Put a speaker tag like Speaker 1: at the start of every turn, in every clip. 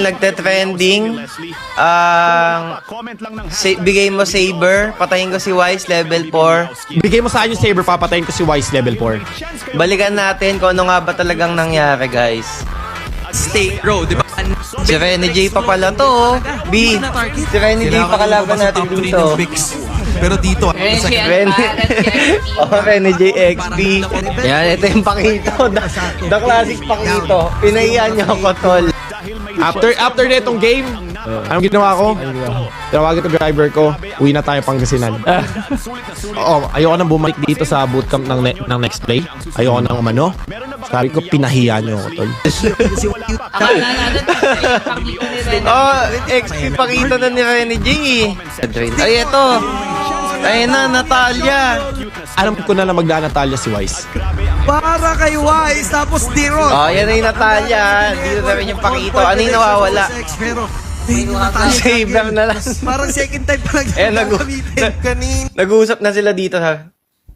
Speaker 1: nagte-trending. Bigay mo Saber, patayin ko si Wise level 4.
Speaker 2: Bigay mo sa akin yung Saber, papatayin ko si Wise level 4.
Speaker 1: Balikan natin kung ano nga ba talagang nangyari, guys.
Speaker 3: Stay, bro, di ba?
Speaker 1: Si Rene J pa pala to, oh. B, si Rene J pa kalaban natin dito.
Speaker 4: Pero dito,
Speaker 1: Rene J XP. Yan, ito yung Pakito. The classic Pakito. Pinahiyan niyo ako, tol.
Speaker 2: After netong game, anong ginawa ko? Tinawagan ko driver ko, uwi na tayo Pangasinan. Oo, ayoko nang bumalik dito sa bootcamp ng next play. Ayoko nang umano. Sabi ko, pinahiya niyo ako, tol.
Speaker 1: XP Pakito na ni Rene J. Ay, ito. Ayun na, Natalia.
Speaker 2: Alam ko na magda-Natalia si Wise.
Speaker 4: para kay Wise, tapos D-Rod.
Speaker 1: Yan na yung Natalia. Dito na rin yung Pakito. Ano yung nawawala?
Speaker 4: Pero,
Speaker 1: Saber na lang.
Speaker 4: parang second time pa
Speaker 1: Nag-uusap na sila dito, ha?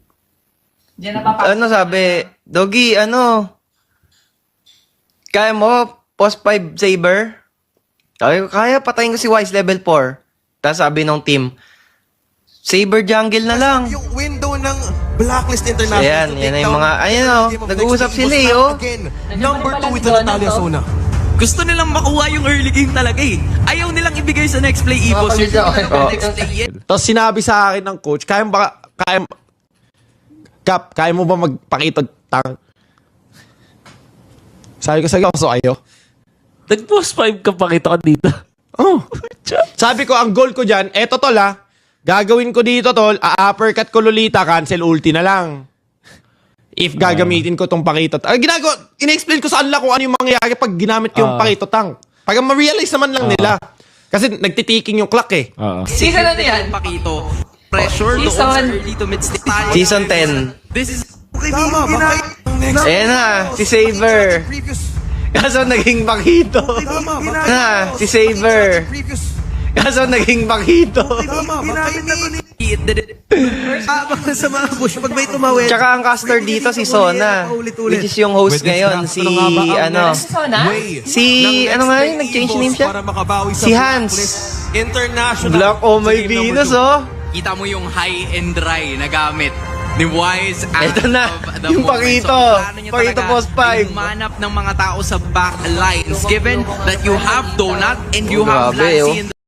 Speaker 1: Ano sabi? Doggy, ano? Kaya mo? Post 5 Saber? Sabi ko, kaya, patayin ko si Wise level 4. Tapos sabi ng team, Saber jungle na lang.
Speaker 4: Yung window ng Blacklist International.
Speaker 1: Ayan, yan na yung mga, ayun o, nag-uusap sila oh.
Speaker 4: Number 2 with the Natalia Sona.
Speaker 3: Gusto nilang makuha yung early game talaga eh. Ayaw nilang ibigay sa next play, Evos. Next play yet.
Speaker 2: Tapos sinabi sa akin ng coach, kaya mo ba magpakita tang? Sabi ko sa so ayo.
Speaker 5: Nag-post 5 ka pakita ko dito.
Speaker 2: Oh. Sabi ko, ang goal ko dyan, eto tol ha, gagawin ko dito tol, uppercut ko Lolita, cancel ulti na lang. If gagamitin ko tong pakito. Ina-explain ko sa kanila kung ano yung mangyayari pag ginamit ko yung pakito tang. Pag ma-realize naman lang nila. Kasi nagtitiking yung clock eh.
Speaker 3: Season ano yan? Pakito. Pressure doon sa early to mid stage.
Speaker 1: Season 10.
Speaker 3: This is...
Speaker 4: Tama,
Speaker 1: Ayan na, si Saber. Kaso naging Pakito. Na, si Saber. Kaso naging Pakito.
Speaker 4: sa mga push, pag may tumawid.
Speaker 1: Tsaka ang caster dito si Sona. Which is yung host ngayon. Si, ano. Si, ano nga yun? Nag-change name siya? Si Hans.
Speaker 4: International.
Speaker 1: Black oh my Venus oh.
Speaker 3: Kita mo yung high and dry na gamit ni Wise.
Speaker 1: Ito na, yung Pakito. Pakito post 5.
Speaker 3: Manap ng mga tao sa back lines. Given that you have Donut and you have
Speaker 1: Grabe,
Speaker 3: Lassie
Speaker 1: oh.
Speaker 3: in the